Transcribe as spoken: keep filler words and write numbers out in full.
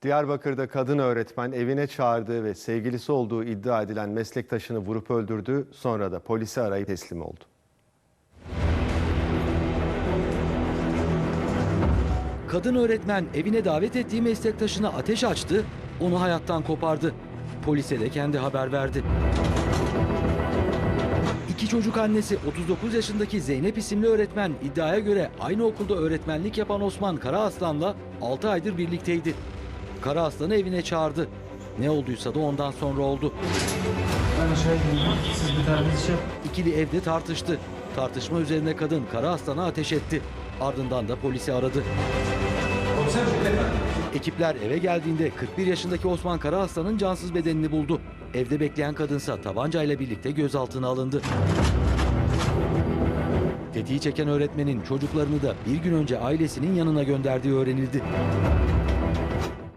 Diyarbakır'da kadın öğretmen evine çağırdığı ve sevgilisi olduğu iddia edilen meslektaşını vurup öldürdü. Sonra da polisi arayıp teslim oldu. Kadın öğretmen evine davet ettiği meslektaşına ateş açtı, onu hayattan kopardı. Polise de kendi haber verdi. İki çocuk annesi otuz dokuz yaşındaki Zeynep isimli öğretmen iddiaya göre aynı okulda öğretmenlik yapan Osman Karaaslan'la altı aydır birlikteydi. Karaaslan'ı evine çağırdı. Ne olduysa da ondan sonra oldu. Ben aşağı indim. Siz bir taneniz şey İkili evde tartıştı. Tartışma üzerine kadın Karaaslan'a ateş etti. Ardından da polisi aradı. Ekipler eve geldiğinde kırk bir yaşındaki Osman Karaaslan'ın cansız bedenini buldu. Evde bekleyen kadınsa tabancayla birlikte gözaltına alındı. Tetiği çeken öğretmenin çocuklarını da bir gün önce ailesinin yanına gönderdiği öğrenildi.